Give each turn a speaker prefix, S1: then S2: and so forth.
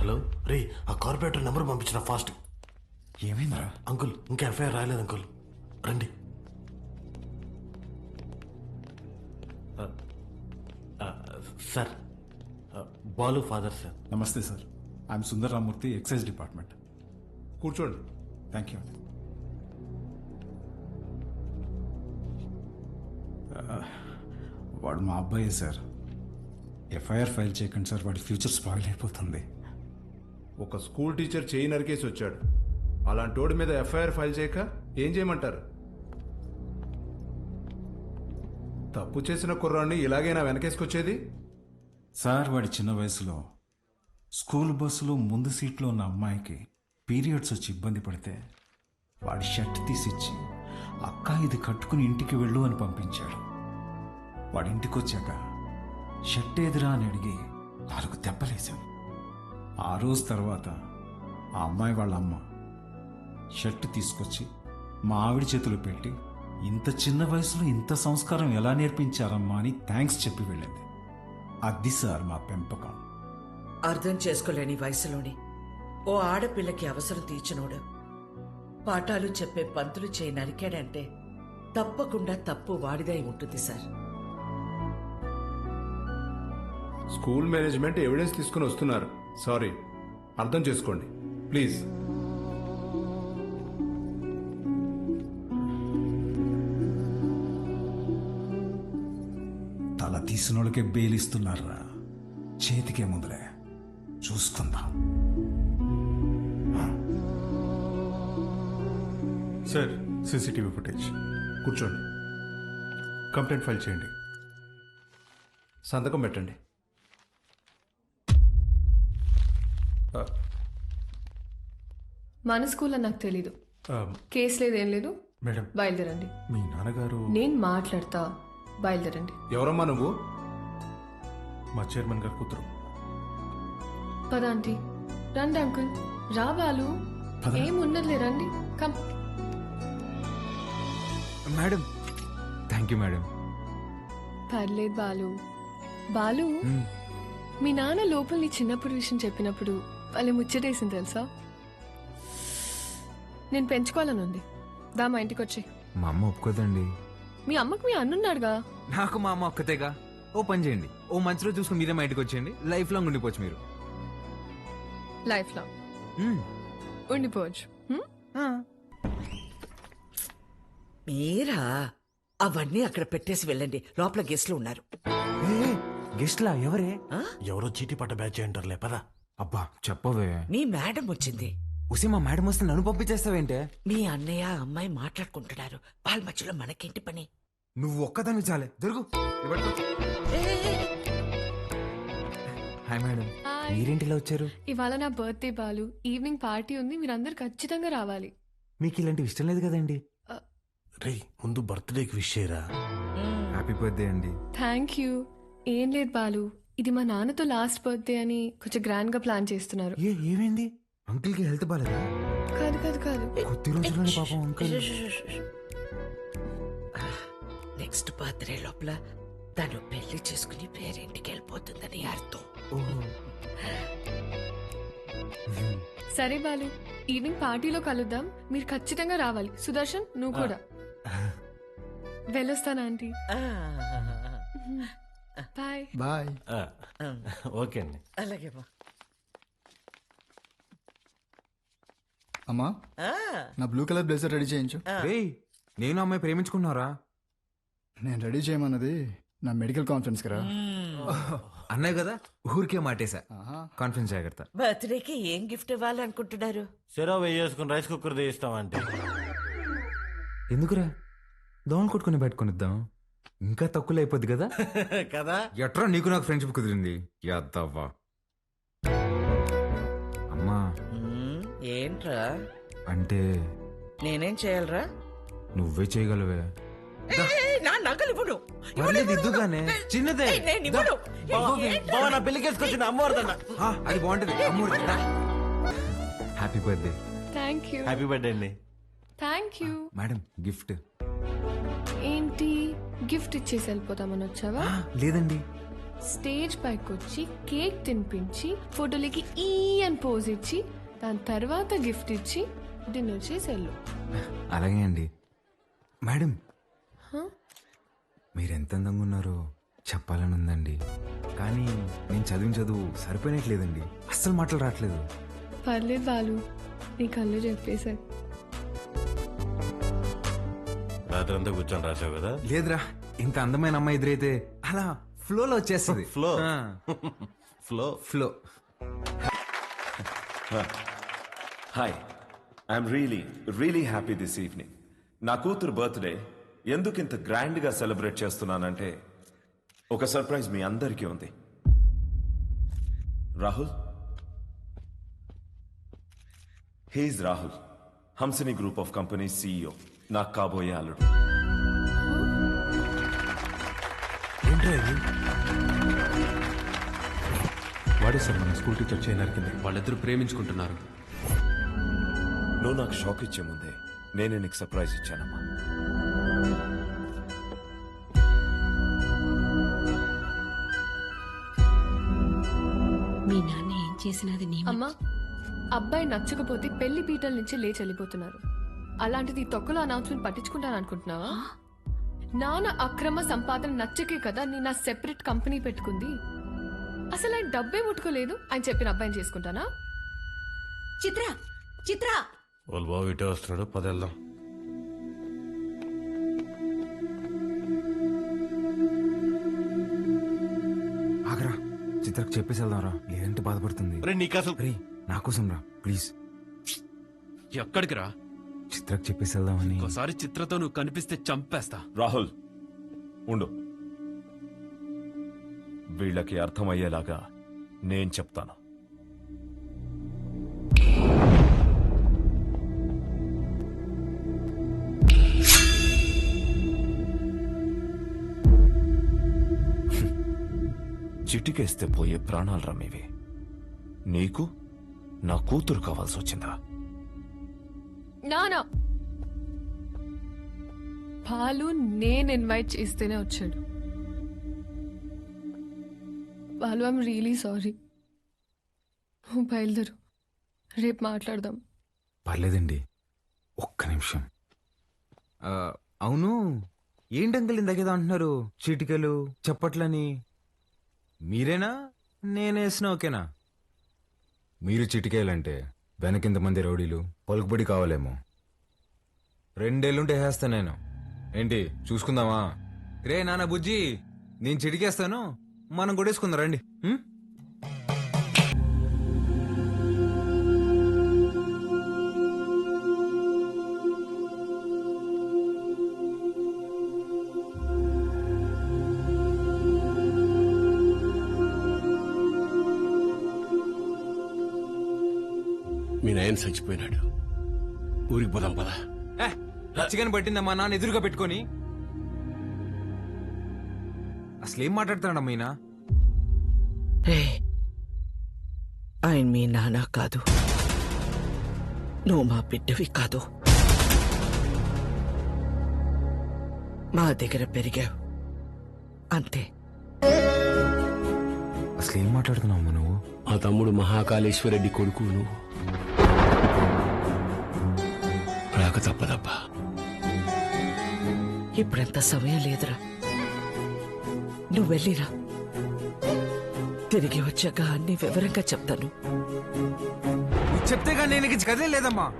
S1: Hello రే, ఆ corporator number పంపించిన ఫాస్ట్.
S2: ఏమైందిరా?
S1: అంకుల్ ఇంకా ఎఫ్ఐఆర్ రాయలేదు అంకుల్, రండి. Sir, Balu father sir.
S2: నమస్తే sir, I'm Sundar Ramurthy, excise department.
S3: కూర్చోండి.
S2: Thank you. వాడు మా అబ్బాయే సార్. ఎఫ్ఐఆర్ ఫైల్ చేయకండి సార్, వాడి ఫ్యూచర్ స్పాయిల్ అయిపోతుంది.
S3: ఒక స్కూల్ టీచర్ చేయి నరికేసి వచ్చాడు. అలాంటి వాడి మీద ఎఫ్ఐఆర్ ఫైల్ చేయక ఏం చేయమంటారు? తప్పు చేసిన కుర్రాన్ని ఇలాగైనా వెనకేసుకొచ్చేది?
S2: సార్, వాడి చిన్న వయసులో స్కూల్ బస్సులో ముందు సీట్లో ఉన్న అమ్మాయికి పీరియడ్స్ వచ్చి ఇబ్బంది పడితే వాడి షర్ట్ తీసిచ్చి, అక్క ఇది కట్టుకుని ఇంటికి వెళ్ళు అని పంపించాడు. వాడి ఇంటికి వచ్చాక షర్ట్ ఏదిరా అని అడిగి 4 దెబ్బలేశాను. ఆ రోజు తర్వాత ఆ అమ్మాయి వాళ్ళ అమ్మ షర్ట్ తీసుకొచ్చి మా ఆవిడ చేతులు పెట్టి, ఇంత చిన్న వయసులో ఇంత సంస్కారం ఎలా నేర్పించారమ్మా అని థ్యాంక్స్ చెప్పి వెళ్ళింది. అది సార్ మా పెంపకం.
S4: అర్థం చేసుకోలేని వయసులోని ఓ ఆడపిల్లకి అవసరం తీర్చినోడు పాఠాలు చెప్పే పంతులు చేయి నరికాడంటే తప్పకుండా తప్పు వాడిదై ఉంటుంది సార్.
S3: స్కూల్ మేనేజ్మెంట్ ఎవిడెన్స్ తీసుకుని వస్తున్నారు. సారీ, అర్థం చేసుకోండి ప్లీజ్.
S2: తల తీసిన వాళ్ళకే బెయిలిస్తున్నారా? చేతికే ముందులే చూసుకుందాం.
S5: Sir, CCTV footage.
S3: కూర్చోండి.
S5: కంప్లైంట్ ఫైల్ చేయండి.
S3: సంతకం పెట్టండి.
S6: మన స్కూల్లో నాకు తెలీదు. కేసు లేదు, ఏం లేదు.
S5: మేడం,
S6: బయలుదేరండి.
S5: మీ నాన్నగారు
S6: నేను మాట్లాడతా, బయలుదేరండి.
S3: ఎవరమ్మా నువ్వు?
S5: మా చైర్మన్ గారు కూతురు.
S6: పద ఆంటీ. రండి అంకుల్. రా బాలు. ఏమున్నదిలే, రండి. Come.
S7: Madam, thank you madam.
S6: పర్లేదు బాలు. బాలు, మీ నాన్న లోపల నీ చిన్నప్పుడు విషయం చెప్పినప్పుడు వాళ్ళే ముచ్చటేసింది తెలుసా? నేను పెంచుకోవాలని ఉంది. దా మా ఇంటికి వచ్చి.
S7: మా అమ్మ ఒప్పుకోదండి.
S6: మీ అమ్మకు మీ అన్నున్నాడుగా.
S7: నాకు మా అమ్మ ఒక్కతేగా. ఓ పని చేయండి, ఓ మంచి రోజు చూసుకుని మీరే మా ఇంటికి వచ్చేయండి. లైఫ్ లాంగ్ ఉండిపోవచ్చు మీరు.
S6: Life long ఉండిపోవచ్చు.
S4: మీరా అవన్నీ అక్కడ పెట్టేసి వెళ్ళండి, లోపల గెస్ట్లు ఉన్నారు.
S7: గెస్ట్లా? ఎవరే?
S1: ఎవరో చీటీ పట్ట బ్యాచ్ అంటారులే, పదా.
S7: అబ్బా చెప్పవే.
S4: మీ మేడం వచ్చింది.
S7: ఉసి మా మేడం వస్తే నన్ను పంపించేస్తావేంటే?
S4: మీ అన్నయ్య అమ్మాయి మాట్లాడుకుంటున్నారు, వాళ్ళ మధ్యలో మనకేంటి పని?
S7: నువ్వు ఒక్కదాన్ని చాలే. దొరుకు. హాయ్ మేడం, మీరేంటిలా వచ్చారు?
S6: ఇవాళ నా బర్త్డే బాలు. ఈవినింగ్ పార్టీ ఉంది, మీరందరు ఖచ్చితంగా రావాలి.
S7: మీకు ఇలాంటివి ఇష్టం లేదు కదండి.
S1: రే, ముందు బర్త్డేకి విష్ చేయరా.
S7: హ్యాపీ బర్త్డే అండి.
S6: Thank you. ఏం లేదు బాలు, ఇది మా నాన్నతో లాస్ట్ బర్త్డే అని కొంచెం గ్రాండ్ గా ప్లాన్ చేస్తున్నారు.
S7: ఏమైంది? అంకుల్ కి హెల్త్ బాలేదా?
S6: కాదు కాదు కాదు,
S7: కొద్ది రోజుల్లోనే పాపం అంకుల్.
S4: నెక్స్ట్ బర్త్డే లోపల తను పెళ్లి చేసుకుని పేరింటికి వెళ్ళిపోతుందని అర్థం.
S6: సరే బాలు, ఈవినింగ్ పార్టీలో కలుద్దాం. మీరు ఖచ్చితంగా రావాలి. సుదర్శన్, నువ్వు కూడా. వెళ్ళొస్తానా ఆంటీ? బాయ్.
S5: బాయ్.
S1: ఓకే అండి.
S4: అలాగే
S5: అమ్మా, నా బ్లూ కలర్ బ్లేజర్ రెడీ చేయించు.
S7: రేయ్, నేను అమ్మాయి ప్రేమించుకున్నారా?
S5: నేను రెడీ చేయమన్నది నా మెడికల్ కాన్ఫరెన్స్ కదా.
S7: అన్నాయి కదా, ఊరికే మాటేశా. కాన్ఫిడెన్స్ జాగ్రత్త.
S4: బర్త్డేకి ఏం గిఫ్ట్ ఇవ్వాలనుకుంటున్నారు?
S1: సెరవ్ వేసుకుని రైస్ కుక్కర్ తీస్తామంటే.
S7: ఎందుకురా, దోమలు కొట్టుకుని పెట్టుకునిద్దాం. ఇంకా తక్కువ అయిపోద్ది కదా.
S1: కదా.
S7: ఎట్రా నీకు నాకు ఫ్రెండ్షిప్ కుదిరింది. యాదవ్వా. అమ్మా,
S4: ఏంట్రా
S7: అంటే
S4: నేనేం చేయాలరా?
S7: నువ్వే చేయగలవే.
S4: నా నగలు ఇవ్వడు.
S7: పర్లేదు, ఇద్దుగానే. చిన్నదే.
S1: నా పెళ్లికేసుకొచ్చిన అమ్మవారిదన్న.
S7: అది బాగుంటది. Happy birthday.
S6: Thank you.
S1: Happy birthday అండి.
S6: Thank you.
S7: మేడం, గిఫ్ట్
S6: ఏంటి గిఫ్ట్ ఇచ్చేసి వెళ్ళిపోతామని వచ్చావా?
S7: లేదండి,
S6: స్టేజ్ పైకి వచ్చి కేక్ తినిపించి ఫోటోలకి ఈ అని పోజ్ ఇచ్చి దాని తర్వాత గిఫ్ట్ ఇచ్చి డిన్నర్ చేసి వెళ్ళు.
S7: అలాగే అండి. మేడం, మీరు ఎంత అందంగా ఉన్నారో చెప్పాలని ఉందండి, కానీ నేను చదివిన చదువు సరిపోయినట్లేదండి. అస్సలు మాటలు రావట్లేదు.
S6: పర్లేదు బాలు, నీ కళ్ళు చెప్పేశారు.
S1: రాత్రి అంతా కూర్చొని రాసావు కదా.
S7: లేదురా, ఇంత అందమైన అమ్మాయి ఎదురైతే అలా ఫ్లోలో వచ్చేస్తుంది.
S1: ఫ్లో
S7: ఆ,
S1: flow
S7: flow.
S8: Hi, I'm really happy this evening. నా కూతురు బర్త్డే ఎందుకు ఇంత గ్రాండ్గా సెలబ్రేట్ చేస్తున్నానంటే ఒక సర్ప్రైజ్ మీ అందరికీ ఉంది. Rahul, he's Rahul, Hamsini group of company CEO, నాకు కాబోయే అల్లుడు.
S2: వాడే సార్ మన స్కూల్ టీచర్ చేయనరికింది.
S9: వాళ్ళిద్దరూ ప్రేమించుకుంటున్నారు.
S8: నువ్వు నాకు షాక్ ఇచ్చే ముందే నేనే నీకు సర్ప్రైజ్ ఇచ్చానమ్మా.
S10: మీ నాన్న ఏం చేసినది నీ
S6: అమ్మా, అబ్బాయి నచ్చకపోతే పెళ్లి పీటల నుంచి లేచి వెళ్ళిపోతున్నారు. అలాంటిది ఈ తొక్కలో అనౌన్స్మెంట్ పట్టించుకుంటాను అనుకుంటున్నావా? నాన్న అక్రమ సంపాదన నచ్చకే కదా నేను నా సెపరేట్ కంపెనీ పెట్టుకుంది. అసలు ఆయన డబ్బే ముట్టుకోలేదు, ఆయన చెప్పిన అబ్బాయిని చేసుకుంటానా?
S10: చిత్ర చిత్ర
S1: వాళ్ళు బాబు ఇటే వస్తున్నాడు, పదేళ్దాం.
S7: ఆగరా, చిత్రకు చెప్పేసి వెళ్దాంరా, లేదంటే బాధపడుతుంది.
S1: నీకు అసలు
S7: రే, నా కోసం రా ప్లీజ్.
S9: ఎక్కడికి రా?
S7: చిత్రకు చెప్పేసి వెళ్దామని.
S9: ఒకసారి చిత్రతో నువ్వు కనిపిస్తే చంపేస్తా.
S8: రాహుల్ ఉండు, వీళ్ళకి అర్థమయ్యేలాగా నేను చెప్తాను. చిటికేస్తే పోయే ప్రాణాలు రమ్మేవి. నీకు నా కూతురు కావాల్సి వచ్చిందా?
S6: నానా బాలు నేను ఇన్వైట్ చేస్తేనే వచ్చాడు. Balu, I'm really sorry. నువ్వు బయలుదేరు, రేపు మాట్లాడదాం.
S7: పర్లేదండి, ఒక్క నిమిషం. అవును, ఏంటంకల్ ఇందాకేదో అంటున్నారు, చీటికలు చప్పట్లని. మీరేనా నేనేసిన ఓకేనా? మీరు చిటికేయాలంటే వెనకింతమంది రౌడీలు పలుకుబడి కావాలేమో. 2 ఏళ్ళుంటే వేస్తా నేను. ఏంటి చూసుకుందామా? రే నాన్న బుజ్జి, నేను చిటికేస్తాను, మనం కొడేసుకుందాం రండి.
S9: మీ నాయన చచ్చిపోయినాడు, ఊరికి పోదాం పదా.
S7: చికెన్ పట్టిందమ్మా నాన్న ఎదురుగా పెట్టుకొని. అసలేం మాట్లాడుతున్నాడమ్మా ఈయన?
S4: రే, ఆయన మీ నాన్న కాదు, నువ్వు మా బిడ్డవి కాదు. మా దగ్గర పెరిగావు అంతే.
S7: అసలేం మాట్లాడుతున్నావు నువ్వు?
S9: మా తమ్ముడు మహాకాళేశ్వరరెడ్డి కొడుకు నువ్వు. రాక తప్పదబ్బా.
S4: ఇప్పుడంత సమయం లేదురా, నువ్వు వెళ్ళిరా. తిరిగి వచ్చాక అన్ని వివరంగా చెప్తాను.
S7: చెప్తే కానీ నేను కదలే లేదమ్మా.